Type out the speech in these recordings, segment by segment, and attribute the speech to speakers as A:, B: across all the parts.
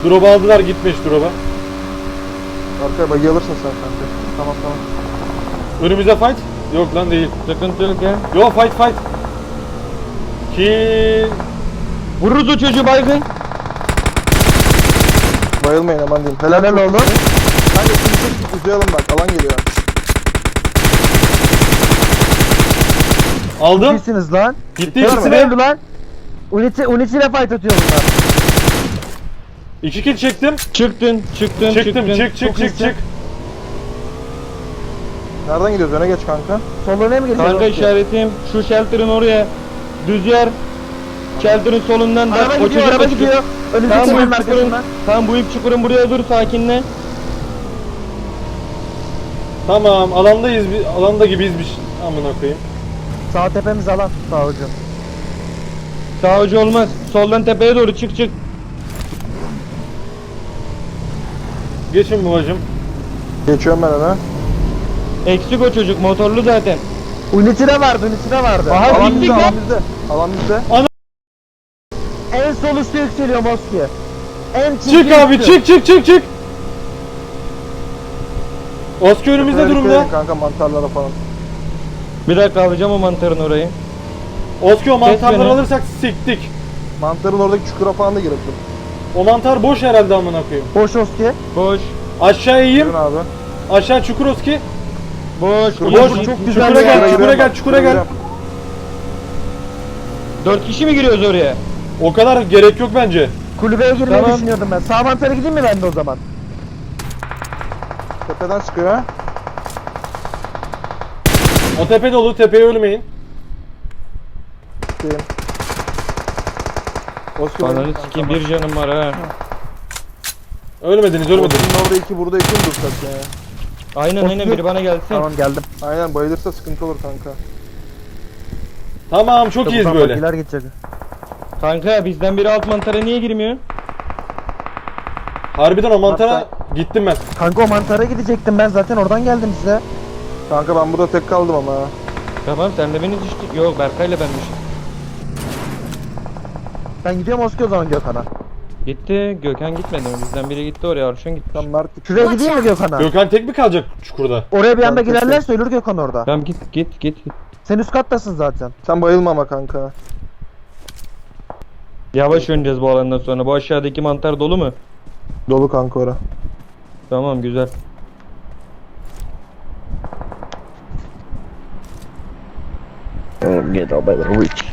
A: Drop'u aldılar, gitmiş drop'a.
B: Arkaya bagi alırsın sen kanka. Tamam.
A: Önümüze fight. Yok lan değil.
C: Sıkıntı yok ya.
A: Yo fight. Ki
C: Vururuz o çocuğu baygın.
B: Bayılmayın aman diyeyim. Helal oldu. Kanka şimdi uzayalım bak, alan geliyor.
A: aldım.
D: İyisiniz lan.
A: Gitti
D: Hepsi
A: ikisini.
D: öldü lan. Unity ile fight atıyor bunlar.
A: 2 kill çektim.
C: Çıktın.
A: Çık.
B: Nereden gidiyoruz? Öne geç kanka.
D: Soluna mı geliyor?
C: Kanka işaretim şu shelter'ın oraya. Düz yer. Shelter'ın solundan da
D: Araba
C: o
D: gidiyor,
C: çocuk
D: araba
C: da
D: gidiyor.
C: çıkıyor.
D: Önümüzdeki
C: Tamam,
D: çukurun
C: bu çukurun,
D: arkasından.
C: tamam bu ip çukurun buraya dur, sakinle.
A: Tamam, alandayız. Alanda gibiyiz bir amına koyayım.
D: Sağ tepemiz alan. Sağ ucu.
C: Sağ ucu olmaz. Soldan tepeye doğru çık.
A: Geçin babacım.
B: Geçiyorum ben öne.
C: Eksik o çocuk, motorlu zaten.
D: Unity de vardı.
C: Aha,
B: Alan
C: gittik
B: bizde,
C: lan.
B: alan bizde. Alan bizde.
D: En sol üstü yükseliyor Moski. En
A: Çık
D: çirkin
A: abi,
D: üstü.
A: çık. Oski önümüzde
B: Dikkat
A: durumda.
B: edin kanka, mantarlara falan.
C: Bir dakika alacağım o mantarın orayı.
A: Oski o mantarları
C: beni.
A: alırsak siktik.
B: Mantarın oradaki çukura falan da girelim.
A: O mantar boş herhalde amına koyayım.
D: Boş Oski.
C: Boş.
A: Aşağı
B: Girin
A: eğeyim.
B: abi.
A: Aşağı çukur Oski.
C: Boş.
A: Boş.
D: çok güzel
A: Çukura
D: ya.
A: gel, çukura gel.
C: 4 kişi mi giriyoruz oraya?
A: O kadar gerek yok bence.
D: Kulübeye girmeyi
C: Tamam.
D: düşünüyordum ben. Sağ mantara gideyim mi ben de o zaman?
B: Tepeden sıkıyor ha.
A: O tepe dolu, tepeye ölmeyin.
B: Sikeyim. Oscar
C: Ananı sikeyim, bir canım var ha.
A: Ölmediniz.
B: Oscar'ın orada 2, burada 2 mi dursak ya?
C: Aynen biri bana gelsin.
D: Tamam geldim.
B: Aynen, bayılırsa sıkıntı olur kanka.
A: Tamam, çok iyiyiz böyle.
D: Bagiler gidecek.
C: Kanka bizden biri alt mantara niye girmiyor?
A: Harbiden o mantara gittim ben.
D: Kanka o mantara gidecektim ben zaten oradan geldim size.
B: Kanka ben burada tek kaldım ama.
C: Tamam sen de beni düştük. Yok Berkay'la benmişim.
D: Ben gidiyorum Oski o zaman Gökhan'a.
C: Gitti. Gökhan gitmedi mi? Bizden biri gitti oraya. Arşın gitti.
B: Tam Mert
D: Şuraya gideyim mi Gökhan'a?
A: Gökhan tek mi kalacak çukurda?
D: Oraya bir anda
B: Tamam,
D: girerlerse ölür Gökhan orada.
C: Tamam git.
D: Sen üst kattasın zaten.
B: Sen bayılma ama kanka.
C: Yavaş oynayacağız bu alandan sonra. Bu aşağıdaki mantar dolu mu?
B: Dolu kanka ora.
C: Tamam güzel.
D: Get out by the reach.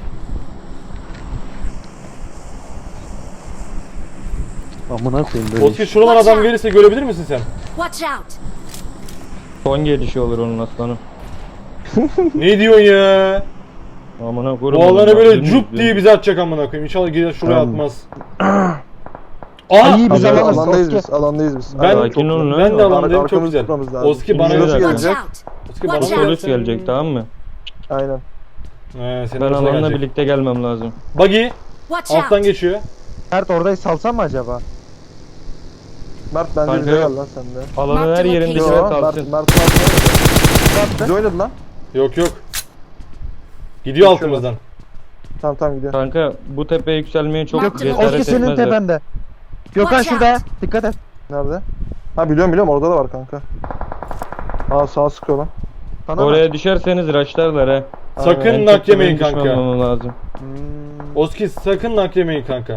D: Amına koyayım böyle.
A: Oski şuradan adam gelirse görebilir misin sen?
E: Watch out!
C: Son gelişi olur onun aslanım.
A: Ne diyorsun ya?
C: Amına koyayım.
A: Bu alana böyle cup diye bizi atacak amına koyayım. İnşallah gider şuraya atmaz. Aa!
D: İyi biz
B: Alandayız,
D: alamaz
B: alandayız
D: Oski.
B: biz. Alandayız biz.
A: Ben,
C: Sakin olun lan.
A: ben de alandayım, çok
B: Arkamızı
A: güzel.
B: tutmamız lazım.
A: Oski bana
C: Şimdi
A: göre
C: şurası
E: Watch
A: gelecek.
E: out!
A: Oski bana
E: Watch
A: göre
C: Polis gelecek tamam mı?
B: Aynen.
A: Senin
C: Ben
A: oraya
C: alanla
A: gelecek.
C: birlikte gelmem lazım.
A: Buggy
E: Watch
A: alttan
E: out!
A: geçiyor.
D: Mert orayı salsam mı acaba?
B: Mert bence
C: Kanka
B: bize
C: yok.
B: gel lan sen de.
C: Alanın
E: Mark
C: her
E: the
C: yerinde
E: location.
C: sıra
B: Yo, Mert
C: kalsın.
B: oynadı. Biz oynadı lan.
A: Yok. Gidiyor altımızdan.
B: Tamam gidiyor.
C: Kanka bu tepeye yükselmeye çok
E: Mark the
C: cesaret
D: Oski senin
C: etmezler.
D: tepende. Gökhan
E: Watch
D: şurada.
E: out.
D: Dikkat et.
B: Nerede? Ha biliyorum orada da var kanka. Aa sağa sıkıyor lan.
D: Sana
C: Oraya düşerseniz raşlarlar he.
A: Sakın
C: En
A: nak
C: çok da
A: yemeyin
C: benim
A: kanka.
C: düşmemem lazım.
A: Oski sakın nak yemeyin kanka.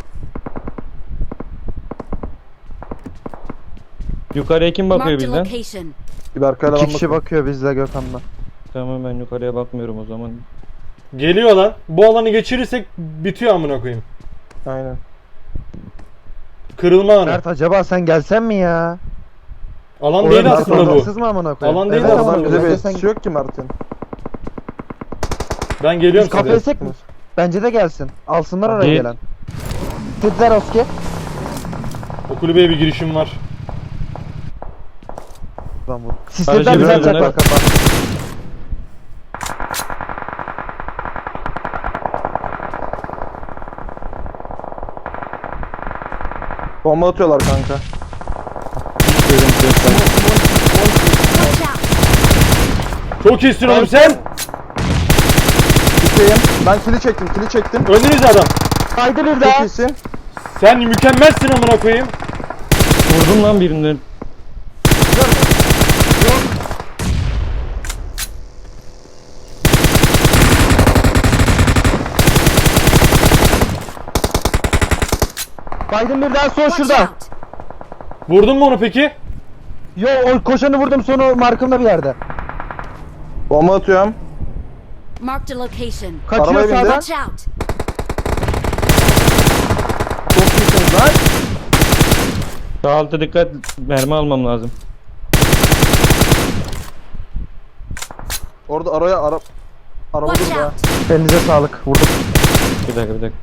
C: Yukarıya kim bakıyor
E: Marked a
C: bizden?
E: location.
B: Bir Berkay'la
D: İki
B: ben
D: kişi
B: bakıyorum.
D: bakıyor bizle Gökhan'la.
C: Tamam ben yukarıya bakmıyorum o zaman.
A: Geliyor lan. Bu alanı geçirirsek bitiyor amına koyayım.
B: Aynen.
A: Kırılma anı.
D: Mert acaba sen gelsen mi ya?
A: Alan
D: Orada
A: değil
D: Mert
A: aslında bu.
D: oradansız mı amına koyayım?
A: Alan değil
D: Evet,
A: aslında
D: ama
A: bu.
B: Bize bir
D: sen-
B: etkisi yok ki Mert'in.
A: Ben
D: Biz
A: geliyorum
D: kafeye
A: size.
D: sek mi? Bence de gelsin. Alsınlar oraya
C: Git.
D: gelen. Dediler Oski.
A: O kulübeye bir girişim var.
D: Lan bu. Sistemden
C: Aracı
D: bize
C: biraz
D: atacaklar
C: öne-
D: kafa.
B: Bomba atıyorlar kanka.
E: Watch out!
A: Çok iyisin oğlum sen.
B: Gideyim. Ben kili çektim.
A: Önünüzde adam.
D: Haydi bir
B: Çok
D: daha.
B: iyisin.
A: Sen mükemmelsin amına koyayım.
C: Vurdum lan birinden.
D: Biden bir daha sol
E: Watch
D: şurada.
E: out!
A: Vurdun mu onu peki?
D: Yo o koşanı vurdum sonu markımda bir yerde.
B: Bomba atıyorum.
E: Marked a location.
D: Kaçıyor
B: Arabaya bindi.
D: sağdan.
E: Watch out!
D: Çok iyisiniz lan.
C: Sağ alta dikkat, mermi almam lazım.
B: Orada araba
E: Watch
B: durdu ha.
E: out!
D: Elinize sağlık. Vurdum.
C: Bir dakika.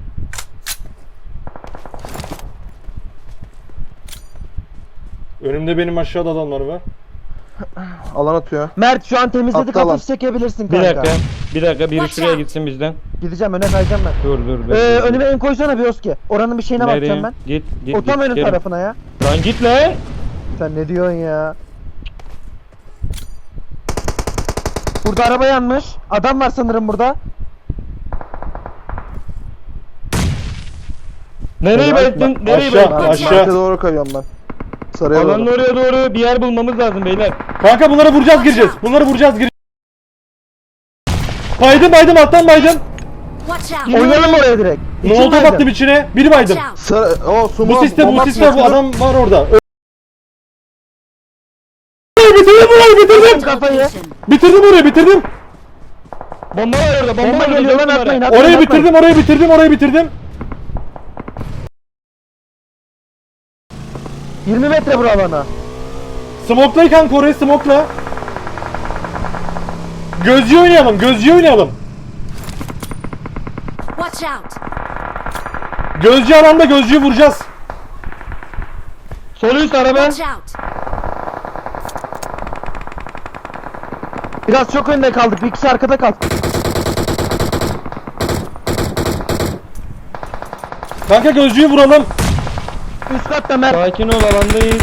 A: Önümde benim aşağıda adamlar var.
B: Alan atıyor.
D: Mert şu an temizledik,
B: Attı lan.
D: hafif çekebilirsin
C: Bir
D: kanka.
C: dakika, biri
E: Watch
C: şuraya
E: out.
C: gitsin bizden.
D: Gideceğim, öne kayacağım ben.
C: Dur.
D: Önüme en koysana bir Oski. Oranın bir şeyine bakacağım ben.
C: Git.
D: O tam önün
C: gelin.
D: tarafına ya.
C: Lan git lan.
D: Sen ne diyorsun ya? Burada araba yanmış. Adam var sanırım burada.
C: Nereyi
B: Aşağı-
C: belirttin? Nereyi
A: aşağı-
C: belirttin?
A: aşağı.
B: Markete doğru kayıyorum ben. Sarıya
C: Alanın
B: doğru.
C: oraya doğru bir yer bulmamız lazım beyler.
A: Kanka bunları vuracağız gireceğiz. Bunları vuracağız gireceğiz. Baydım alttan baydım.
E: Watch out!
D: Oynayalım oraya direkt.
A: Ne
D: İçin
A: oldu
D: baydım.
A: baktım içine. Biri
E: Watch
A: baydım.
E: out!
B: Sarı,
A: Bu
B: sumo.
A: siste
B: bomba
A: bu
B: atıyor.
A: adam var orada. Bitirdim burayı bitirdim.
D: Kafayı.
E: Location.
A: Bitirdim orayı bitirdim.
C: Bomba var orada, bomba
D: Bomba
C: var,
D: geliyor lan,
C: dört
D: atmayın,
C: numara.
D: atmayın.
A: Orayı bitirdim.
D: 20 metre bura alana.
A: Smoke'la kanka orayı smoke'la. Gözcü oynayalım.
E: Watch out!
A: Gözcü alanda gözcüyü vuracağız.
C: Sol üst araba.
E: Watch out!
D: Biraz çok önde kaldık. Bir kişi arkada kaldı.
A: Kanka gözcüyü vuralım.
D: Üst katta Mert.
C: Sakin ol, alandayız.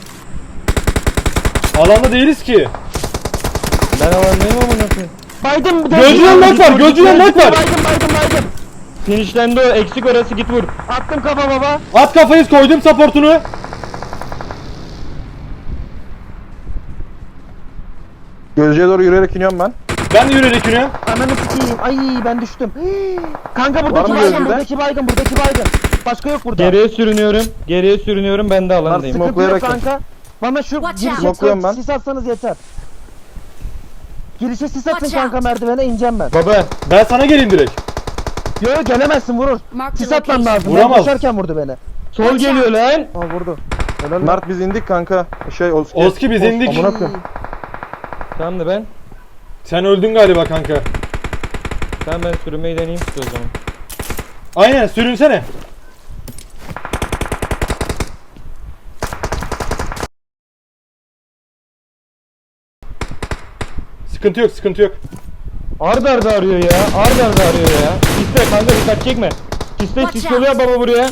A: Alanda değiliz ki.
C: Ben alandayım ama nasıl?
D: Baydım bir de.
A: Gözcüden net var, gözcüden net var.
D: Baydım.
C: Finişlendi o, eksik orası, git vur.
D: Attım kafa baba.
A: At kafayı koydum supportunu.
B: Gözcüye doğru yürüyerek iniyorum ben.
A: Ben de yürüyerek iniyorum.
D: Ananı sikeyim. Ay ben düştüm. Kanka
B: Var
D: buradaki
B: mı
D: baygın,
B: gözünde?
D: buradaki baygın. Başka yok burada.
C: Geriye sürünüyorum, ben de alandayım.
B: Nasıl?
D: Sıkıntı yok
B: Smoklayarak
D: kanka. Bana şu
E: Watch
D: girişe
E: out.
B: Smokluyorum ben.
D: sis atsanız yeter. Girişe sis atın
E: Watch
D: kanka,
E: out.
D: merdivene ineceğim ben.
C: Baba,
A: Ben sana geleyim direkt.
D: Yo gelemezsin, vurur.
E: Marked
D: Sis
E: a
D: atmam
E: location.
D: lazım.
A: Vuramaz.
D: Ben koşarken vurdu beni.
C: sol
E: Watch
C: geliyor lan.
D: Aa vurdu. Helal lan.
B: Mert biz indik kanka.
A: Oski biz indik.
B: Amına koyayım.
C: Tamam da ben.
A: Sen öldün galiba kanka.
C: Tamam, ben sürünmeyi deneyeyim size o zaman.
A: Aynen sürünsene. Sıkıntı yok.
C: Arda arıyor ya. Arıyor ya. Siste kanka, dikkat çekme. Siste,
E: Watch
C: sis
E: out.
C: yolu yap baba buraya.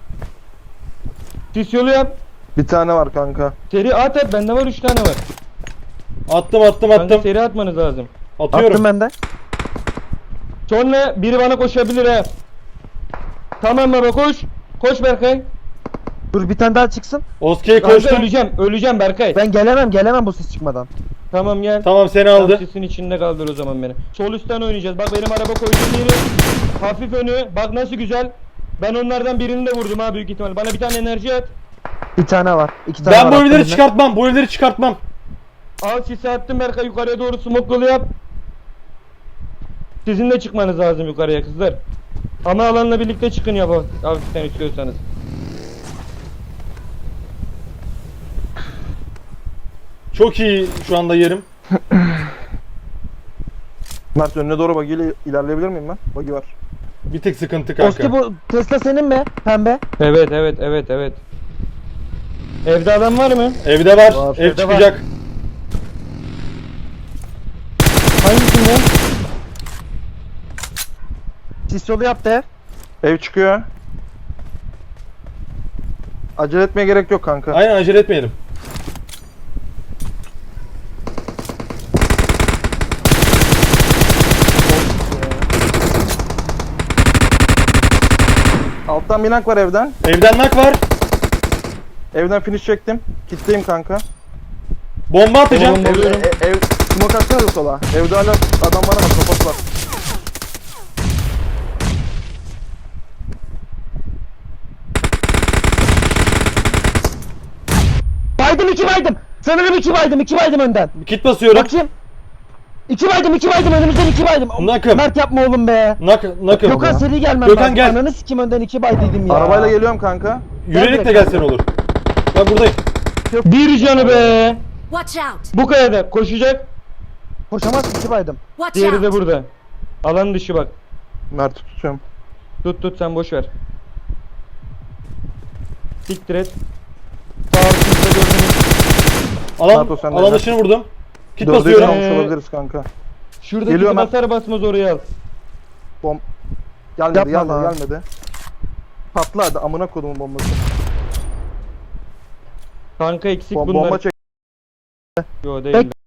C: Sis yolu yap.
B: Bir tane var kanka.
C: Seri at, bende var 3 tane var.
A: Attım.
C: Kanka seri atmanız lazım.
A: Atıyorum.
D: Attım ben de.
C: Sonra biri bana koşabilir ha. Tamam baba, koş. Koş Berkay.
D: Dur bir tane daha çıksın.
A: Oski'ye
C: Kanka
A: koştum.
C: öleceğim Berkay.
D: Ben gelemem bu sis çıkmadan.
C: Tamam gel.
A: Tamam seni
C: Tam
A: aldı.
C: sisin içinde kaldır o zaman beni. Sol üstten oynayacağız. Bak benim araba koyduğum yeri. Hafif önü. Bak nasıl güzel. Ben onlardan birini de vurdum ha, büyük ihtimal. Bana bir tane enerji at.
D: Bir tane var. 2 tane
A: Ben
D: var.
A: bu
D: attım
A: evleri
D: ben.
A: çıkartmam. Bu evleri çıkartmam.
C: Al sisi attım Berkay, yukarıya doğru smoke yolu yap. Sizin de çıkmanız lazım yukarıya kızlar. Ama alanla birlikte çıkın ya bu. Hafiften istiyorsanız.
A: Çok iyi şu anda yerim.
B: Mert önüne doğru bagiyle ilerleyebilir miyim ben? Bagi var.
A: Bir tık sıkıntı kanka.
D: Oski bu Tesla senin mi? Pembe.
C: Evet. Evde adam var mı?
A: Evde var.
B: Var,
A: Ev
D: evde var.
A: çıkacak.
C: Hangisinde?
D: Sis yolu yaptı ev.
B: Ev çıkıyor. Acele etmeye gerek yok kanka.
A: Aynen acele etmeyelim.
B: Alt Alttan binak var evden.
A: Evden nak var.
B: Evden finish çektim. Kitleyim kanka.
A: Bomba atacağım.
C: Bomba. Alıyorum.
B: Ev smoke atsana da sola. Evde hala adam var ama kapat var.
D: Baydım 2 baydım. Sanırım 2 baydım 2 baydım önden.
A: Kit basıyorum.
D: Bakayım. 2 baydım önümüzden 2 baydım.
A: Nakım.
D: Mert yapma oğlum be.
A: Nakım.
D: Gökhan seri gelmem
A: Gökhan
D: lazım.
A: gel.
D: Ananı sikim önden 2 baydıydım ya.
B: Arabayla geliyorum kanka.
A: Yürüyerek de gelsen olur. Bak buradayım.
C: Bir canı be.
E: Watch out!
C: Bu kayada koşacak.
D: Koşamaz 2 baydım.
E: Watch
C: Diğeri de
E: out!
C: burada. Alan dışı bak.
B: Mert'i tutuyorum.
C: Tut sen boş ver. Siktir et. Sağ altımızda gördüğünüz.
A: Alan,
B: Nato, sen de
A: alan
B: gel.
A: dışını vurdum. Kit
B: Dörde
A: basıyorum.
B: almış olabiliriz kanka.
C: Şuradaki
B: Geliyor Mert.
C: basar basmaz oraya al.
B: Gelmedi
D: Yapma lan.
B: gelmedi. Patla hadi amına kodumun bombası.
C: Kanka eksik bunlar.
B: Bomba çek.
C: Yo değil.
D: Tek-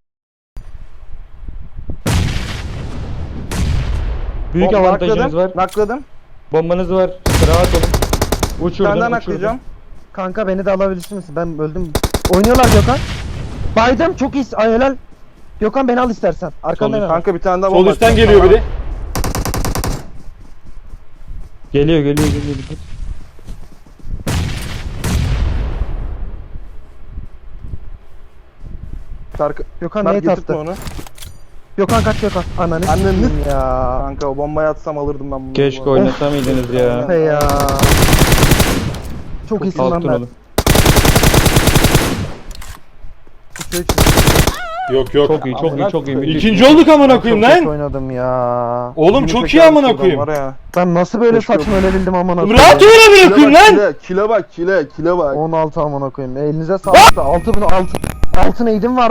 C: Büyük avantajınız var.
B: Nakladım.
C: Bombanız var. Rahat olun. Uçurdum.
B: Senden
C: uçurdum.
B: naklayacağım.
D: Kanka beni de alabilirsin misin? Ben öldüm. Oynuyorlar Gökhan. Baydım çok iyi. Ay helal. Gökhan beni al istersen. Arkandan
A: Sol-
D: al.
B: Kanka bir tane daha
A: Sol
B: bomba
A: üstten
B: atacağım
A: geliyor
B: sana.
A: biri.
C: Geliyor. Dikkat.
B: Şarkı.
D: Gökhan
B: Mert
D: neyi
B: getirtme
D: tattı?
B: onu.
D: Gökhan kaç Gökhan. Ananı
B: Anneni-
D: sikeyim ya.
B: Kanka o bombayı atsam alırdım ben bunu.
C: Keşke
B: Bu arada.
C: oynasamaydınız ya.
D: Be ya. Çok iyisin lan
C: Altın
D: Mert.
C: olun.
A: Yok.
C: Çok iyi. Müthiş.
A: İkinci olduk amına
D: Çok
A: koyayım
D: kötü
A: lan.
D: oynadım ya.
A: Oğlum
B: Yirmi
A: çok iyi
B: teker
A: amına
B: şuradan
A: koyayım.
B: var ya.
D: Ben nasıl böyle
B: Keşke
D: saçma ölebildim amına koyayım.
A: Rahat ol amına koyayım lan.
B: Kile bak kile bak.
D: 16 amına koyayım. Elinize sağlık. 6 neydim var.